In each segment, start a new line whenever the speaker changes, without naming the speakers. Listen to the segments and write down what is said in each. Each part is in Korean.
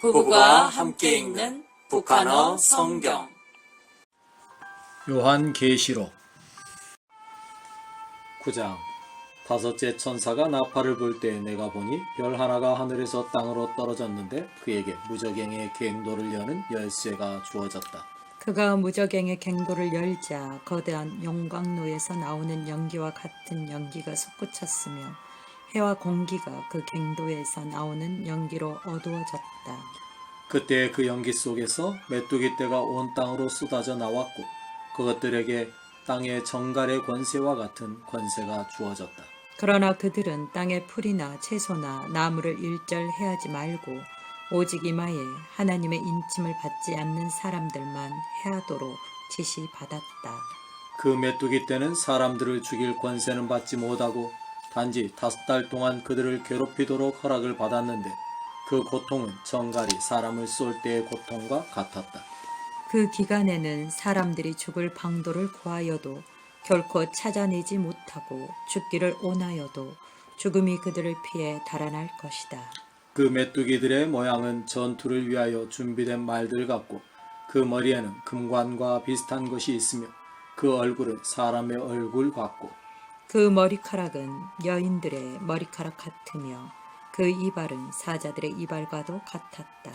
부부가 함께 읽는 북한어 성경.
요한계시록 9장. 다섯째 천사가 나팔을 불 때 내가 보니 별 하나가 하늘에서 땅으로 떨어졌는데 그에게 무저갱의 갱도를 여는 열쇠가 주어졌다.
그가 무저갱의 갱도를 열자 거대한 용광로에서 나오는 연기와 같은 연기가 솟구쳤으며 해와 공기가 그 갱도에서 나오는 연기로 어두워졌다.
그때 그 연기 속에서 메뚜기 떼가 온 땅으로 쏟아져 나왔고 그것들에게 땅의 정갈의 권세와 같은 권세가 주어졌다.
그러나 그들은 땅의 풀이나 채소나 나무를 일절해하지 말고 오직 이마에 하나님의 인침을 받지 않는 사람들만 해하도록 지시받았다.
그 메뚜기 떼는 사람들을 죽일 권세는 받지 못하고 단지 5달 동안 그들을 괴롭히도록 허락을 받았는데 그 고통은 정갈이 사람을 쏠 때의 고통과 같았다.
그 기간에는 사람들이 죽을 방도를 구하여도 결코 찾아내지 못하고 죽기를 원하여도 죽음이 그들을 피해 달아날 것이다.
그 메뚜기들의 모양은 전투를 위하여 준비된 말들 같고 그 머리에는 금관과 비슷한 것이 있으며 그 얼굴은 사람의 얼굴 같고
그 머리카락은 여인들의 머리카락 같으며 그 이발은 사자들의 이발과도 같았다.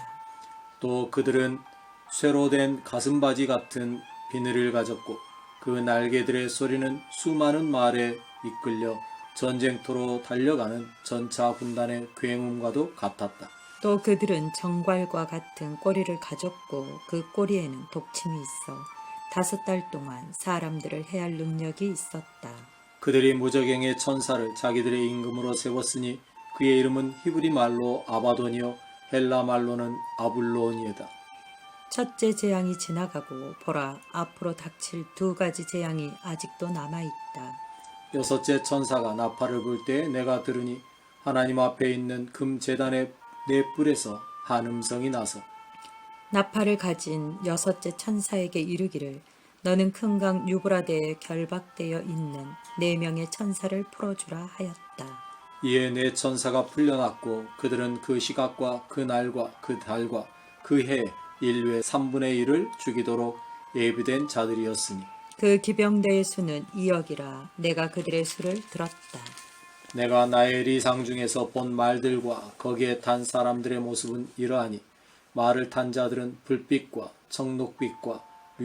또 그들은 쇠로 된 가슴바지 같은 비늘을 가졌고 그 날개들의 소리는 수많은 말에 이끌려 전쟁터로 달려가는 전차 군단의 굉음과도 같았다.
또 그들은 정괄과 같은 꼬리를 가졌고 그 꼬리에는 독침이 있어 5달 동안 사람들을 해할 능력이 있었다.
그들이 무저갱의 천사를 자기들의 임금으로 세웠으니 그의 이름은 히브리 말로 아바돈이요 헬라 말로는 아불론이다.
첫째 재앙이 지나가고 보라, 앞으로 닥칠 2가지 재앙이 아직도 남아있다.
여섯째 천사가 나팔을 불 때 내가 들으니 하나님 앞에 있는 금 제단의 네 뿔에서 한 음성이 나서
나팔을 가진 6째 천사에게 이르기를 너는 큰 강 유브라데에 결박되어 있는 4명의 천사를 풀어주라 하였다.
이에 네 천사가 풀려났고 그들은 그 시각과 그 날과 그 달과 그 해에 인류의 3분의 1을 죽이도록 예비된 자들이었으니
그 기병대의 수는 2억이라 내가 그들의 수를 들었다.
내가 나의 리상 중에서 본 말들과 거기에 탄 사람들의 모습은 이러하니 말을 탄 자들은 불빛과 청록빛과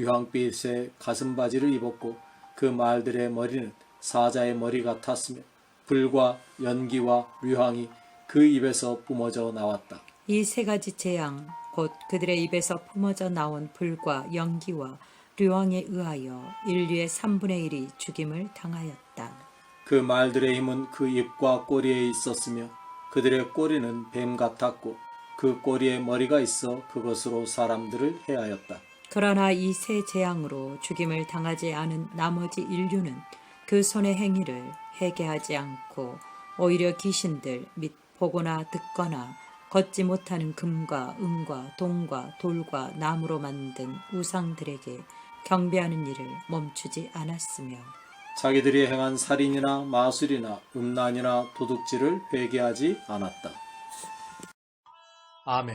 류황빛의 가슴바지를 입었고 그 말들의 머리는 사자의 머리 같았으며 불과 연기와 류황이 그 입에서 뿜어져 나왔다.
이 3가지 재앙 곧 그들의 입에서 품어져 나온 불과 연기와 류황에 의하여 인류의 3분의 1이 죽임을 당하였다.
그 말들의 힘은 그 입과 꼬리에 있었으며 그들의 꼬리는 뱀 같았고 그 꼬리에 머리가 있어 그것으로 사람들을 해하였다.
그러나 이 3 재앙으로 죽임을 당하지 않은 나머지 인류는 그 손의 행위를 회개하지 않고 오히려 귀신들 및 보거나 듣거나 걷지 못하는 금과 은과 동과 돌과 나무로 만든 우상들에게 경배하는 일을 멈추지 않았으며
자기들이 행한 살인이나 마술이나 음란이나 도둑질을 회개하지 않았다. 아멘.